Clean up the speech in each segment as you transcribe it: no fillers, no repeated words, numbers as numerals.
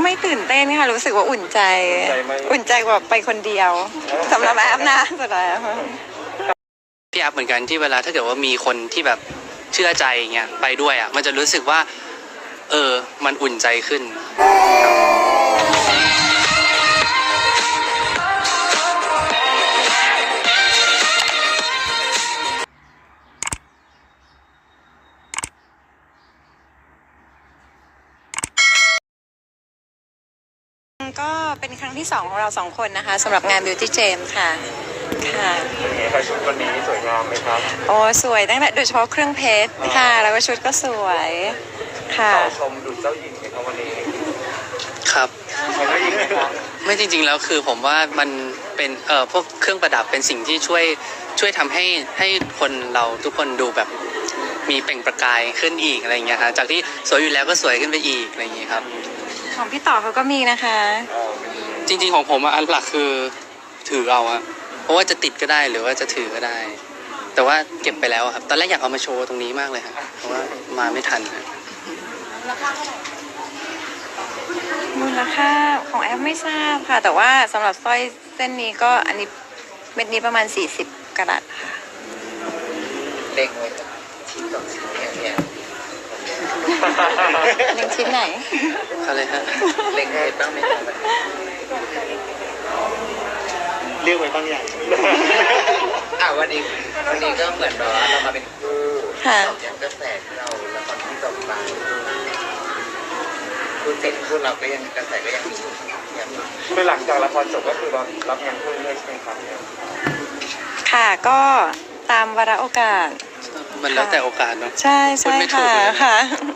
ไม่ตื่นเต้นค่ะรู้สึกว่าอุ่นใจกว่าไปคนเดียวสำหรับแอปนะสุดท้ายพี่แอปเหมือนกันที่เวลาถ้าเกิดว่ามีคนที่แบบเชื่อใจเงี้ยไปด้วยอ่ะมันจะรู้สึกว่ามันอุ่นใจขึ้นก็เป็นครั้งที่2ของเรา2คนนะคะสำหรับงาน Beauty Jam ค่ะค่ะชุดวันนี้สวยงามไหมครับโอ้สวยตั้งแต่โดยเฉพาะเครื่องเพชรค่ะแล้วก็ชุดก็สวยค่ะชมดูเจ้าหญิงไหมครับวันนี้ครับชมเจ้าหญิงไหมครับไม่จริงๆแล้วคือผมว่ามันเป็นพวกเครื่องประดับเป็นสิ่งที่ช่วยทำให้คนเราทุกคนดูแบบมีเปล่งประกายขึ้นอีกอะไรอย่างเงี้ยครับจากที่สวยอยู่แล้วก็สวยขึ้นไปอีกอะไรอย่างเงี้ยครับของพี่ต่อเขาก็มีนะคะจริงๆของผมอันหลักคือถือเอาอะเพราะว่าจะติดก็ได้หรือว่าจะถือก็ได้แต่ว่าเก็บไปแล้วครับตอนแรกอยากเอามาโชว์ตรงนี้มากเลยครับเพราะว่ามาไม่ทันมูลค่าของแอปไม่ทราบค่ะแต่ว่าสำหรับสร้อยเส้นนี้ก็อันนี้เม็ดนี้ประมาณ40กะรัตค่ะเล็งไว้ชิ้นต่อชิ้นเนี่ยเล็งชิ้นไหนอะไรฮะเล็งไว้บ้างไหมเรียกไว้บ้างอย่างวันนี้ก็เหมือนแบบว่าเรามาเป็นคู่อย่างกระแสเราละครที่จบไปคู่เสร็จคู่เราก็ยังกระแสก็ยังมีอยู่คือหลังจากละครจบก็คือเรารับงานคู่เรื่อยๆใช่ไหมครับค่ะก็ตามวาระโอกาสมันแล้วแต่โอกาสเนาะใช่ค่ะ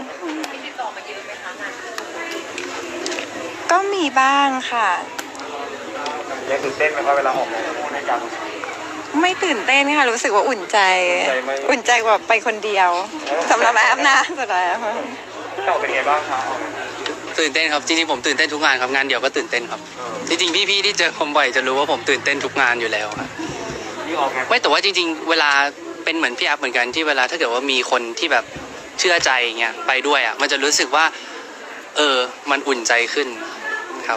ก็มีบ้างค่ะยังตื่นเต้นไหมครับเวลาออกงานคู่ในการไม่ตื่นเต้นค่ะรู้สึกว่าอุ่นใจกว่าไปคนเดียวสำหรับแอปนะสุดท้ายต่อเป็นไงบ้างครับตื่นเต้นครับจริงๆผมตื่นเต้นทุกงานครับงานเดียวก็ตื่นเต้นครับจริงๆพี่ๆที่เจอผมบ่อยจะรู้ว่าผมตื่นเต้นทุกงานอยู่แล้วครับไม่แต่ว่าจริงๆเวลาเป็นเหมือนพี่แอปเหมือนกันที่เวลาถ้าเกิดว่ามีคนที่แบบเชื่อใจเงี้ยไปด้วยอ่ะมันจะรู้สึกว่ามันอุ่นใจขึ้นครับ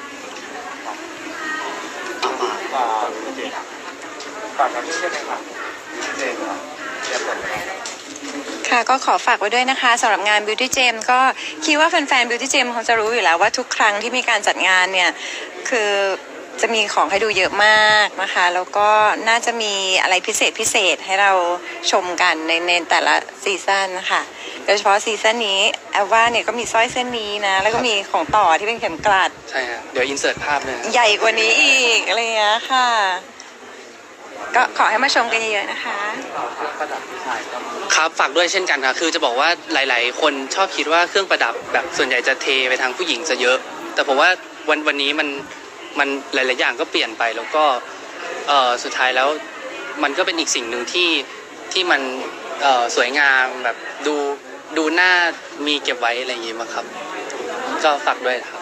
ฝากกันด้วยนะครับเจมครับค่ะก็ขอฝากไว้ด้วยนะคะสำหรับงาน Beauty Jam ก็คิดว่าแฟนๆ Beauty Jam คงจะรู้อยู่แล้วว่าทุกครั้งที่มีการจัดงานเนี่ยคือจะมีของให้ดูเยอะมากนะคะแล้วก็น่าจะมีอะไรพิเศษให้เราชมกันในแต่ละซีซั่นนะคะโดยเฉพาะซีซั่นนี้แอลว่าเนี่ยก็มีสร้อยเส้นนี้นะแล้วก็มีของต่อที่เป็นเข็มกลัดใช่ครับเดี๋ยวอินเสิร์ตภาพเลยใหญ่กว่านี้อีกอะไรเงี้ยค่ะก็ขอให้มาชมกันเยอะๆนะคะครับฝากด้วยเช่นกันค่ะคือจะบอกว่าหลายๆคนชอบคิดว่าเครื่องประดับแบบส่วนใหญ่จะเทไปทางผู้หญิงซะเยอะแต่ผมว่าวันนี้มันหลายๆอย่างก็เปลี่ยนไปแล้วก็สุดท้ายแล้วมันก็เป็นอีกสิ่งหนึ่งที่มันสวยงามแบบดูหน้ามีเก็บไว้อะไรอย่างงี้มั้งครับก็ฝากด้วยครับ